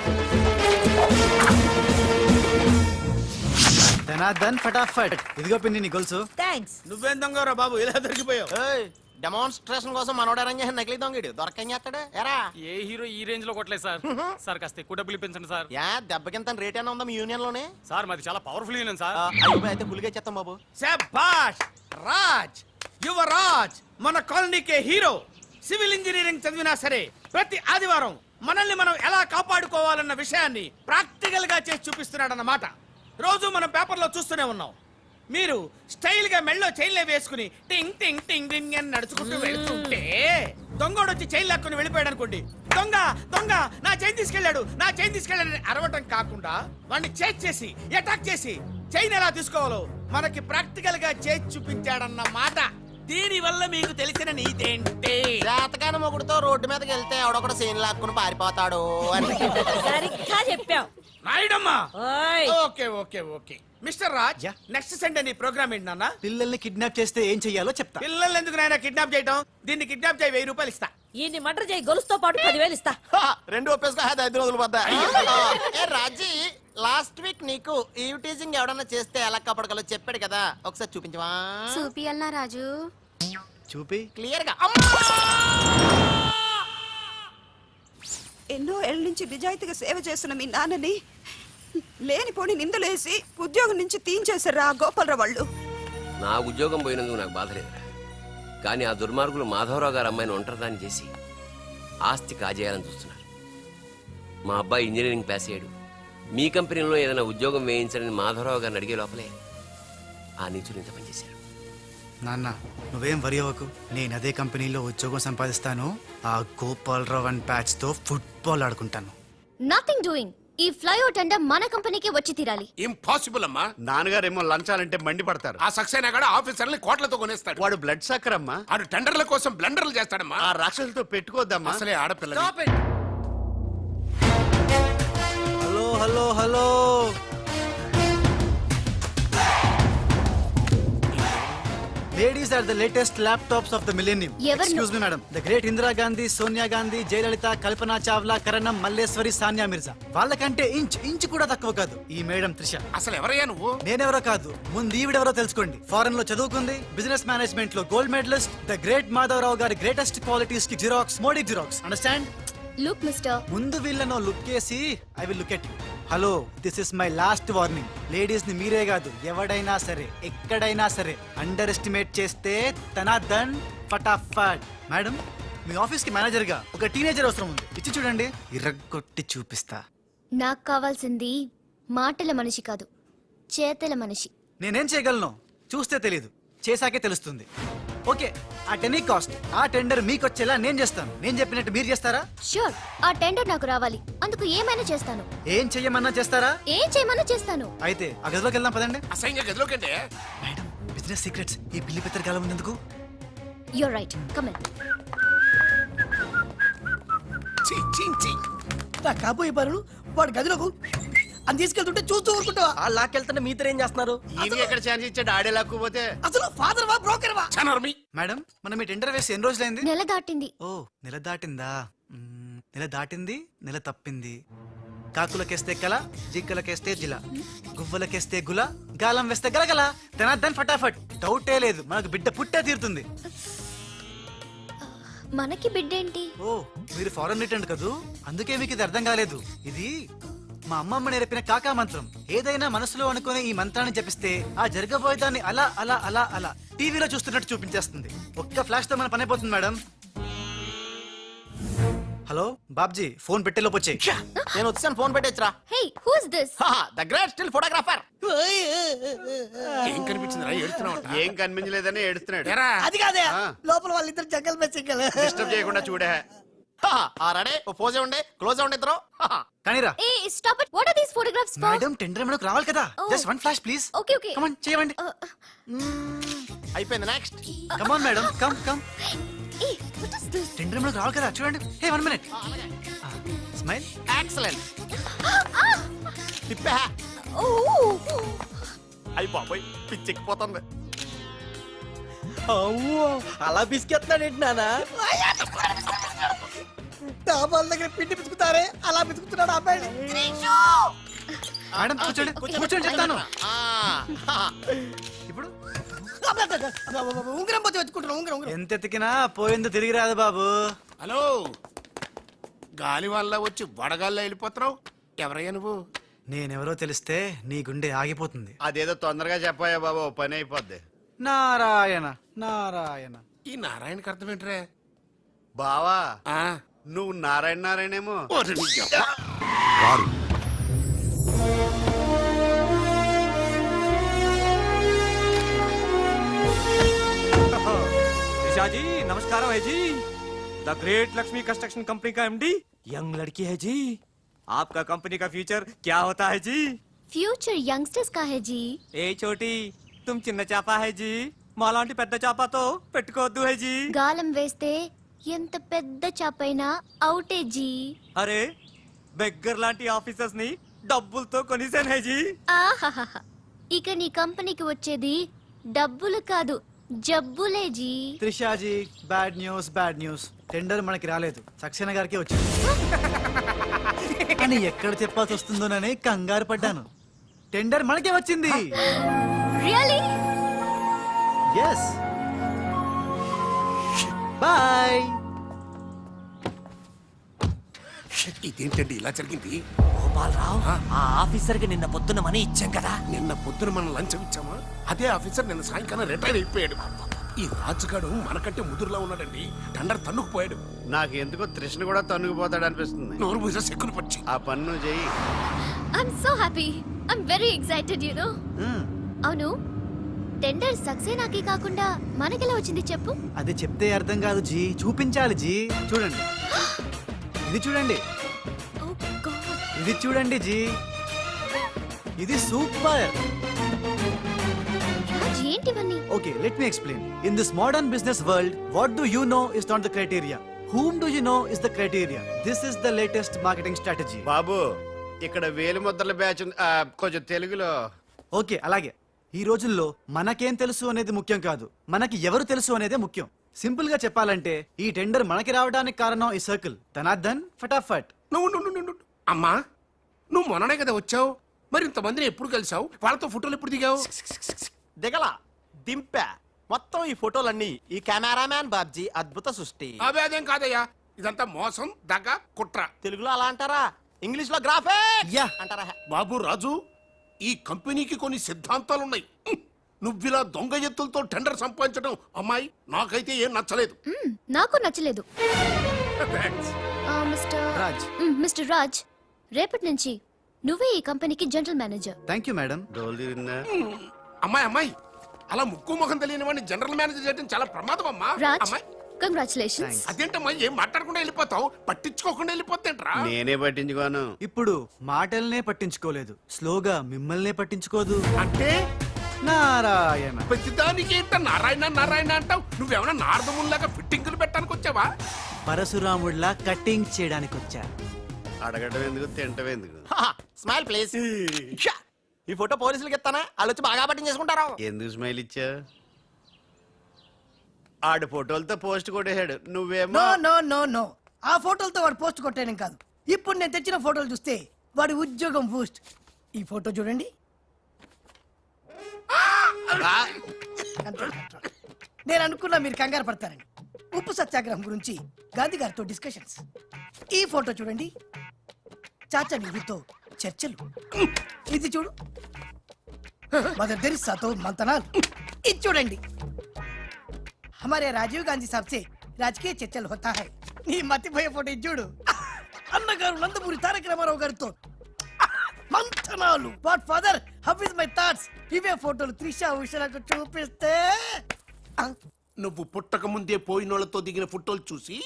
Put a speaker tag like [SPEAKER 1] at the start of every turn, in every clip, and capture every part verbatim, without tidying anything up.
[SPEAKER 1] ధనాధన్ ఫటాఫట్. ఇదిగో పిన్ని నీ గొలుసు.
[SPEAKER 2] థ్యాంక్స్.
[SPEAKER 3] నువ్వేం దొంగరా బాబు ఇలా దొరికిపోయావు?
[SPEAKER 4] డెమాన్స్ట్రేషన్ కోసం మనోడు అరేంజ్ చేసిన నకిలీ దొంగడు దొరకం చేస్తాడు ఎరా.
[SPEAKER 5] ఏ హీరో ఈ రేంజ్ లో కొట్టలేదు సార్. సార్ కాస్త ఎక్కువ డబ్బులు ఇప్పించండి సార్.
[SPEAKER 4] యా దెబ్బకింత రేట్ అయినా ఉందా మీ యూనియన్ లోనే?
[SPEAKER 5] సార్ మాది చాలా పవర్ఫుల్ యూనియన్ సార్.
[SPEAKER 4] అయ్యో అయితే ఫుల్గా చేస్తాం బాబు.
[SPEAKER 3] శభాష్ రాజ్, యువరాజ్ మన కాలనీకే హీరో. సివిల్ ఇంజనీరింగ్ చదివినా సరే ప్రతి ఆదివారం మనల్ని మనం ఎలా కాపాడుకోవాలన్న విషయాన్ని ప్రాక్టికల్ గా చేసి చూపిస్తున్నాడన్నమాట. రోజు మనం పేపర్లో చూస్తూనే ఉన్నాం. మీరు స్టైల్ గా మెళ్ళో చైన్లే వేసుకుని టింగ్ టింగ్ టింగ్ టింగ్ అని నడుచుకుంటూ వెళ్తుంటే దొంగోడు వచ్చి చైన్ లాక్కుని వెళ్ళిపోయాడు అనుకోండి. దొంగ దొంగ నా చైన్ తీసుకెళ్లాడు నా చైన్ తీసుకెళ్లాడని అరవటం కాకుండా వాడిని చేజ్ చేసి అటాక్ చేసి చైన్ ఎలా తీసుకోవాలో మనకి ప్రాక్టికల్ గా చేసి చూపించాడన్న మాట. దీని వల్ల మీకు తెలిసిన నీతేంటి?
[SPEAKER 4] జాతకాన మొగుడుతో రోడ్డు మీదకి వెళ్తే ఎవడొకడు సీన్ లాక్కుని పారిపోతాడు అని.
[SPEAKER 2] సరిగ్గా చెప్పావు
[SPEAKER 3] నాయుడమ్మా.
[SPEAKER 2] ఓయ్
[SPEAKER 3] okay okay okay mister Raj,
[SPEAKER 1] yeah.
[SPEAKER 3] Next Sunday నీ ప్రోగ్రామ్ ఏంటి నాన్న?
[SPEAKER 1] పిల్లల్ని కిడ్నాప్ చేస్తే ఏం చెయ్యాలో చెప్తా.
[SPEAKER 3] పిల్లల్ని ఎందుకు నాయన కిడ్నాప్ చేయటం? దీన్ని కిడ్నాప్ చేయి, వెయ్యి రూపాయలు ఇస్తా.
[SPEAKER 2] ఈయన్ని మటర్ చేయి, గొలుసుతో పాటు పదివేలు ఇస్తా.
[SPEAKER 4] హా, రెండు ఒప్పేసుకో ఐదు రోజులు పడ్డా. ఏ రాజీ, లాస్ట్ వీక్ నీకు ఈ టీజింగ్ ఎవడన్నా చేస్తే ఎలా కాపాడగలో చెప్పాడు కదా, ఒకసారి చూపించవా?
[SPEAKER 6] చూపియల్నా రాజు?
[SPEAKER 1] చూపి.
[SPEAKER 4] క్లియర్ గా.
[SPEAKER 7] ఎన్నో ఏళ్ళ నుంచి నిజాయితీగా సేవ చేస్తున్న మీ నాన్నని లేనిపోని నిందలేసి ఉద్యోగం నుంచి తీయించేశారు ఆ గోపాలరావు వాళ్ళు.
[SPEAKER 8] నా ఉద్యోగం పోయినందుకు నాకు బాధ లేదురా, కానీ ఆ దుర్మార్గులు మాధవరావు గారు అమ్మాయిని ఒంటరిదాన్ని చేసి ఆస్తి కాజేయాలని చూస్తున్నారు. మా అబ్బాయి ఇంజనీరింగ్ పాస్ అయ్యాడు, మీ కంపెనీలో ఏదైనా ఉద్యోగం వేయించాలని మాధవరావు గారిని అడిగే లోపలే ఆ నీచులు ఇంత పనిచేశారు.
[SPEAKER 1] నాన్న నువ్వేం వరి అవ్వకు, నేను అదే కంపెనీలో ఉద్యోగం సంపాదిస్తాను. ఆ గోపాలరావు అండ్ ప్యాచ్ తో ఫుట్బాల్ ఆడుకుంటాను.
[SPEAKER 6] Nothing doing. ఈ ఫ్లైఓవర్ టెండర్ మన కంపెనీకి వచ్చి తీరాలి.
[SPEAKER 9] ఇంపాసిబుల్ అమ్మా.
[SPEAKER 3] నాన్నగారేమో లంచాలంటే మండిపడతారు.
[SPEAKER 9] ఆ సక్సేనా కూడా ఆఫీసర్ని కోట్లతో కొనేస్తాడు.
[SPEAKER 3] వాడు బ్లడ్ సక్కర్ అమ్మా.
[SPEAKER 9] ఆడు టెండర్ల కోసం బ్లండర్లు చేస్తాడమ్మా.
[SPEAKER 3] ఆ రాక్షసులతో పెట్టుకోద్దమ్మా.
[SPEAKER 9] అసలే ఆడపిల్ల.
[SPEAKER 1] Hello hello hello, ladies are the latest laptops of the millennium.
[SPEAKER 6] ఎవరు?
[SPEAKER 1] Excuse me madam. The great Indira Gandhi, Sonia Gandhi, Jayalalitha, Kalpana Chawla, Karnam, Malleswari, Sania Mirza. వాళ్ళకంటే ఇంచ్ ఇంచ్ కూడా తక్కువ కాదు ఈ మేడం త్రిష.
[SPEAKER 9] అసలు ఎవరయ్యా నువ్వు?
[SPEAKER 1] నేనెవరో కాదు, ముందు ఈవిడెవరో తెలుసుకోండి. ఫారెన్ లో చదువుకుంది, బిజినెస్ మేనేజ్మెంట్ లో gold medalist. The great Madhavarao గారి గ్రేటెస్ట్ క్వాలిటీస్ కి xerox, Modi xerox. Understand?
[SPEAKER 6] Look mister,
[SPEAKER 1] ముందు వీళ్ళను లుక్ చేసి I will look at you. Hello, this is my last warning. Ladies ని మీరే కాదు, ఎవడైనా సరే ఎక్కడైనా సరే అండర్ ఎస్టిమేట్ చేస్తే ధనాధన్ ఫటాఫట్. మేడం, మీ ఆఫీస్ కి మేనేజర్ గా ఒక టీనేజర్ అవసరం ఉంది. ఇచ్చి చూడండి, ఇరగొట్టి చూపిస్తా.
[SPEAKER 6] నాకు కావాల్సింది మాటల మనిషి కాదు, చేతల మనిషి.
[SPEAKER 1] నేనేం చేయగలను చూస్తే తెలీదు, చేశాకే తెలుస్తుంది. ఓకే, ఆ టెనీ కాస్ట్ ఆ టెండర్ మీకు వచ్చేలా నేను చేస్తాను. నేను చెప్పినట్టు మీరు చేస్తారా?
[SPEAKER 6] ష్యూర్, ఆ టెండర్ నాకు రావాలి. అందుకు ఏమైనా చేస్తాను.
[SPEAKER 1] ఏం చెయ్యమన్నా చేస్తారా?
[SPEAKER 6] ఏం చేయమన్నా చేస్తాను.
[SPEAKER 1] అయితే ఆ గదిలోకి వెళ్దాం పదండి.
[SPEAKER 9] అసహ్యంగా గదిలోకంటే
[SPEAKER 1] మేడం, బిజినెస్ సీక్రెట్స్ ఈ పిల్లి పెద్దరి కాలం ఎందుకు?
[SPEAKER 6] You're right, come in.
[SPEAKER 9] చీ, చీ, చీ.
[SPEAKER 10] నా కాబోయే బారులు వాడు గదిలోకు అని తీసుకెళ్తుంటే చూస్తూ ఊరుకుంటావా?
[SPEAKER 4] ఆ లాక్కెళ్తుంటే మీతో ఏం చేస్తున్నారు?
[SPEAKER 3] ఈయన ఎక్కడ ఛాన్స్ ఇచ్చాడు? ఆడే లాక్కుపోతే
[SPEAKER 10] అసలు ఫాదర్ వా బ్రోకర్ వా?
[SPEAKER 9] చనర్మి.
[SPEAKER 1] మేడం, మనం ఈ టెండర్ వేసి ఎన్ని రోజులైంది?
[SPEAKER 6] నెల దాటింది.
[SPEAKER 1] ఓ, నెల దాటిందా? మ్మ్, నెల దాటింది, నెల తప్పింది. కాకులకేస్తే కల, జింకలకేస్తే జిల, గువ్వలకేస్తే గుల, గాలం వేస్తే గలగల. ధనాధన్ ఫటాఫట్. డౌటే లేదు, మనకు బిడ్డ పుట్టే తీరుతుంది.
[SPEAKER 6] మనకి బిడ్డేంటి?
[SPEAKER 1] ఓ, మీరు ఫారెన్ రిటర్న్ కదూ, అందుకే మీకు ఇది అర్థం కాలేదు. ఇది మా అమ్మమ్మ నేర్పిన కాకా మంత్రం. ఏదైనా మనసులో అనుకునే ఈ మంత్రాన్ని జపిస్తే ఆ జరగబోయేదాన్ని అలా అలా అలా అలా టీవీలో చూస్తున్నట్టు చూపించేస్తుంది. ఒక్క ఫ్లాష్ తో మన పని అయిపోతుంది మేడం. హలో బాబ్జీ, ఫోన్ పెట్టేలోపు వచ్చేయ్.
[SPEAKER 4] నేను వచ్చాను, ఫోన్ పెట్టేచ్చరా.
[SPEAKER 6] Hey, who is this?
[SPEAKER 4] The great still photographer.
[SPEAKER 9] ఏం కనిపించిందిరా? ఏడుతున్నావు?
[SPEAKER 3] ఏం కనిపించలేదని ఏడుస్తున్నాడు.
[SPEAKER 9] ఎరా
[SPEAKER 10] అది కాదే, లోపల వాళ్ళిద్దరు జంగల్ మెస్సింగల్.
[SPEAKER 3] డిస్టర్బ్ చేయకుండా చూడే.
[SPEAKER 4] రెడీ, పోజే ఉండే, క్లోజ్ ఉండే ఇద్దరు.
[SPEAKER 1] కానీరా.
[SPEAKER 6] Hey stop it. What are these photographs for?
[SPEAKER 1] Madam, tender మనకు రావాలి కదా. Just one flash please.
[SPEAKER 6] Okay okay.
[SPEAKER 1] Come on, చేయండి.
[SPEAKER 4] అయిపోయింది, next.
[SPEAKER 1] Come on madam, come come.
[SPEAKER 6] Hey what is this?
[SPEAKER 1] Tender మనకు రావాలి కదా, చూడండి. Hey, one minute. Smile.
[SPEAKER 4] Excellent. తిప్పే.
[SPEAKER 6] ఓ,
[SPEAKER 4] అయ్యి బాబోయ్, పిచ్చెక్కిపోతుంది.
[SPEAKER 10] అలా బిస్కెత్తాడేంటి నానా? డాబాల దగ్గర పిండి పిసుకుతారే అలా పిసుకుతున్నాడు ఆ అబ్బాయి.
[SPEAKER 1] మేడం కూర్చోండి కూర్చోండి చెప్తాను
[SPEAKER 4] ఆ,
[SPEAKER 1] ఇప్పుడు
[SPEAKER 10] ఉంగరం పోతే వెతుకుంటున్నాం ఉంగరం ఉంగరం.
[SPEAKER 1] ఎంత ఎతికినా పోయిందో తిరిగి రాదు బాబు.
[SPEAKER 9] హలో గాలి వల్ల వచ్చి వడగాల్లో వెళ్ళిపోతున్నావు ఎవరయ్యా నువ్వు?
[SPEAKER 1] నేనెవరో తెలిస్తే నీ గుండె ఆగిపోతుంది.
[SPEAKER 3] అదేదో తొందరగా చెప్పాయా బాబు, పని అయిపోద్ది.
[SPEAKER 1] నారాయణ నారాయణ.
[SPEAKER 9] ఈ నారాయణకి అర్థం ఏంట్రా?
[SPEAKER 3] బావా
[SPEAKER 9] ఆ,
[SPEAKER 3] నువ్వు నారాయణ నారాయణేమో.
[SPEAKER 9] ఓరి నీ యవ్వ. వారు
[SPEAKER 5] निशा जी नमस्कार है जी। The great Lakshmi construction company का एमडी यंग लड़की है जी। आपका कंपनी का फ्यूचर क्या होता है जी?
[SPEAKER 6] ఫ్యూచర్ యంగ్స్టర్స్ కా హై జీ.
[SPEAKER 5] ఏ చోటి तुम చిన్న చాప है जी, మాలాంటి పెద్ద చాపతో పెట్టుకోవద్దు है जी।
[SPEAKER 6] గాలం వేస్తే ఎంత పెద్ద చాపైనా అవుటే జీ.
[SPEAKER 5] అరే బెగ్గర్ లాంటి ఆఫీసర్స్ ని డబ్బులతో కొనిసాను है जी।
[SPEAKER 6] ఆహాహాహా. ఇక నీ కంపెనీకి వచ్చేది డబ్బులు కాదు జబ్బులే జీ.
[SPEAKER 1] Trishaji bad news bad news. Tender మనకి రాలేదు, సక్సేనా గారికి వచ్చింది. కానీ ఎక్కడ చెప్పాల్సి వస్తుందోనని కంగారు పడ్డాను. టెండర్ మనకే వచ్చింది.
[SPEAKER 6] రియల్లీ?
[SPEAKER 1] ఎస్. బాయ్.
[SPEAKER 9] ఇదేంటండి ఇలా జరిగింది?
[SPEAKER 5] గోపాలరావు ఆ ఆఫీసర్ కి నిన్న పొద్దున్న మనీ ఇచ్చాం కదా.
[SPEAKER 9] నిన్న పొద్దున మనం లంచం ఇచ్చామా? అదే ఆఫీసర్ నిన్న సాయంకాలం రిటైర్ అయిపోయాడు. ఈ రాజుగాడు మనకంటే ముదురులా ఉన్నాడండి. టండర్ తన్నుకుపోయాడు.
[SPEAKER 3] నాకు ఎందుకో తృష్ణ కూడా తన్నుకుపోతాడు అనిపిస్తుంది.
[SPEAKER 9] నోరు పూజ సెక్కులు పచ్చి.
[SPEAKER 3] ఆ పన్ను చెయ్యి.
[SPEAKER 6] I'm so happy. I'm very excited you know. అవును, టెండర్ సక్సేనాకి కాకుండా మనకెలా వచ్చింది చెప్పు?
[SPEAKER 1] అది చెప్తే అర్థం కాదు జీ, చూపించాలి జీ. చూడండి, ఇది చూడండి,
[SPEAKER 6] ఓ గాడ్.
[SPEAKER 1] ఇది చూడండి జీ, ఇది సూపర్.
[SPEAKER 6] రాజ్ ఏంటివన్నీ?
[SPEAKER 1] Okay, let me explain. In this modern business world, what do you know is not the criteria. Whom do you know is the criteria. This is the latest marketing strategy.
[SPEAKER 3] బాబు ఇక్కడ వేలు ముద్రల batch ఉంది. ఆ, కొంచెం తెలుగులో.
[SPEAKER 1] Okay, అలాగే. ఈ రోజుల్లో మనకేం తెలుసు అనేది ముఖ్యం కాదు, మనకి ఎవరు తెలుసు అనేదే ముఖ్యం. సింపుల్ గా చెప్పాలంటే ఈ టెండర్ మనకి రావడానికి కారణం ఈ సర్కిల్ ధనార్దన్ ఫటాఫట్.
[SPEAKER 9] నువ్వు నువ్వు నువ్వు నువ్వు అమ్మా నువ్వు మొన్ననే కదా వచ్చావు. మరి ఇంతమందిని ఎప్పుడు కలిసావు? వాళ్ళతో ఫోటోలు ఎప్పుడు దిగావు?
[SPEAKER 4] దిగల దింపా. మొత్తం ఈ ఫోటోలన్నీ ఈ కెమెరామ్యాన్ బాబ్జీ అద్భుత సృష్టి.
[SPEAKER 9] అవే అదేం కాదయ్యా, ఇదంతా మోసం దగ్గ కుట్ర.
[SPEAKER 4] తెలుగులో అలా అంటారా? ఇంగ్లీష్ లో గ్రాఫే
[SPEAKER 1] యా.
[SPEAKER 4] అంటారా?
[SPEAKER 9] బాబు రాజు, ఈ కంపెనీకి కొన్ని సిద్ధాంతాలున్నాయి. హ్మ్. నువ్విలా దొంగ ఎత్తులతో టెండర్ సంపాదించడం అమ్మాయి నాకైతే ఏం నచ్చలేదు.
[SPEAKER 6] మ్మ్, నాకు నచ్చలేదు.
[SPEAKER 9] Thanks.
[SPEAKER 6] ఆ, మిస్టర్
[SPEAKER 1] రాజ్.
[SPEAKER 6] మ్మ్, మిస్టర్ రాజ్, రేపటి నుంచి నువ్వే ఈ కంపెనీకి general manager.
[SPEAKER 1] Thank you madam.
[SPEAKER 3] డోలు తిరిగిందా?
[SPEAKER 9] అమ్మాయి అమ్మాయి అలా ముక్కు ముఖం తెలియని వాడిని జనరల్ మేనేజర్ చేయడం చాలా ప్రమాదం అమ్మా.
[SPEAKER 6] రాజ్,
[SPEAKER 9] అమ్మాయి
[SPEAKER 6] కంగ్రాచులేషన్స్.
[SPEAKER 9] అదేంటమ్మా ఏం మాట్లాడకుండా వెళ్ళిపోతావు? పట్టించుకోకుండా వెళ్ళిపోతేంట్రా?
[SPEAKER 3] నేనే పట్టించుకోను.
[SPEAKER 1] ఇప్పుడు మాటల్నే పట్టించుకోలేదు, స్లోగా మిమ్మల్నే పట్టించుకోదు.
[SPEAKER 9] అంటే
[SPEAKER 1] నారాయణ.
[SPEAKER 9] ప్రతిదానికి ఏంట నారాయణ నారాయణ అంటావు? నువ్వేమన్నా నారదముల్లాగా ఫిట్టింగులు పెట్టడానికి వచ్చావా?
[SPEAKER 1] పరశురాముడిలా కటింగ్ చేయడానికి వచ్చా.
[SPEAKER 3] అడగడం ఎందుకు, తింటం ఎందుకు?
[SPEAKER 4] Smile please. ఈ ఫోటో పోలీసులకి ఇస్తానా? వాళ్ళు వచ్చి బాగా పట్టింగ్ చేసుకుంటారు.
[SPEAKER 3] ఎందుకు స్మైల్ ఇచ్చా? ఆడు ఫోటోలతో పోస్ట్ కొట్టేశాడు, నువ్వేమో.
[SPEAKER 10] నో నో నో నో ఆ ఫోటోలతో వాడు పోస్ట్ కొట్టేయడం కాదు. ఇప్పుడు నేను తెచ్చిన ఫోటోలు చూస్తే వాడి ఉద్యోగం బూస్ట్. ఈ ఫోటో చూడండి. నేను అనుకున్నా మీరు కంగారు పడతారని. ఉప్పు సత్యాగ్రహం గురించి గాంధీ గారితో డిస్కషన్స్. ఈ ఫోటో చూడండి, చాచా నెహ్రూతో చర్చలు. ఇది చూడు, మదర్ తెరిసాతో మంతనాలు. ఇది చూడండి, हमारे राजीव गांधी साहब से राजकीय చర్చలు होता है. నీ మతిపోయే ఫోటో ఇది చూడు, అన్నగారు నందమూరి తారక రామారావు గారితో మంతనాలు. What father, how is my thoughts. ఇవే ఫోటోలు త్రిషా ఉషలకు చూపిస్తే ఆ,
[SPEAKER 9] నువ్వు పుట్టక ముందే పోయినోళ్లతో దిగిన ఫోటోలు చూసి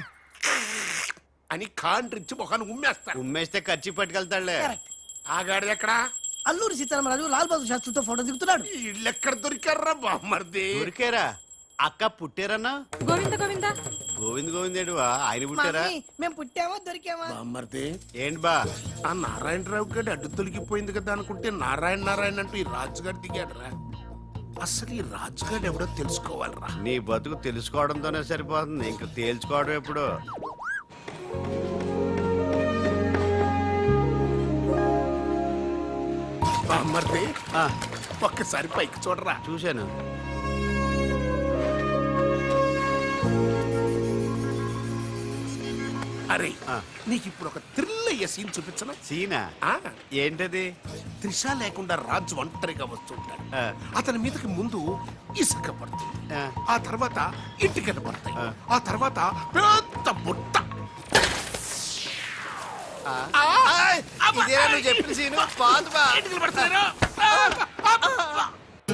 [SPEAKER 9] అని కాండ్రించి మొహాన్ని ఉమ్మేస్తా.
[SPEAKER 3] ఉమ్మేస్తే ఖర్చు పట్టుకెళ్తాడులే.
[SPEAKER 10] correct.
[SPEAKER 9] ఆగాడు ఎక్కడా?
[SPEAKER 10] అల్లూరి సీతారామరాజు లాల్ బహదూర్ శాస్త్రితో ఫోటో దిగుతున్నాడు.
[SPEAKER 9] వీళ్ళెక్కడ దొరికారా బామ్మర్ది?
[SPEAKER 3] ఊరికేరా అక్క పుట్టారన్నా?
[SPEAKER 2] గోవింద గోవింద
[SPEAKER 3] గోవింద్ గోవింద్ ఏడువా ఆయన పుట్టారా?
[SPEAKER 10] మమ్మీ, మేము పుట్టామా దొరికామా?
[SPEAKER 9] బామ్మర్ది,
[SPEAKER 3] ఏంటి బా?
[SPEAKER 9] ఆ నారాయణరావు గారి అడ్డు తొలగిపోయింది కదా అనుకుంటే నారాయణ నారాయణ అంటూ ఈ రాజుగారు దిగాడరా. అసలు ఈ రాజుగారు ఎవడో తెలుసుకోవాలరా.
[SPEAKER 3] నీ బతుకు తెలుసుకోవడంతోనే సరిపోతుంది, ఇంక తేల్చుకోవడం ఎప్పుడు?
[SPEAKER 9] బామ్మర్ది ఒక్కసారి పైకి చూడరా.
[SPEAKER 1] చూశాను.
[SPEAKER 9] అరే నీకు ఇప్పుడు ఒక థ్రిల్ అయ్యే సీన్ చూపించను.
[SPEAKER 1] సీనా?
[SPEAKER 9] ఆ,
[SPEAKER 1] ఏంటది?
[SPEAKER 9] త్రిష లేకుండా రాజు ఒంటరిగా వస్తుంటాడు. అతని మీదకి ముందు ఇసుక పడుతుంది, ఆ తర్వాత ఇటుకలు పడతాయి, ఆ తర్వాత పెద్ద బుట్ట.
[SPEAKER 4] ఇదేనా నువ్వు చెప్పిన సీను? పాదు బా.
[SPEAKER 9] ఇటుకలు పడతాయి.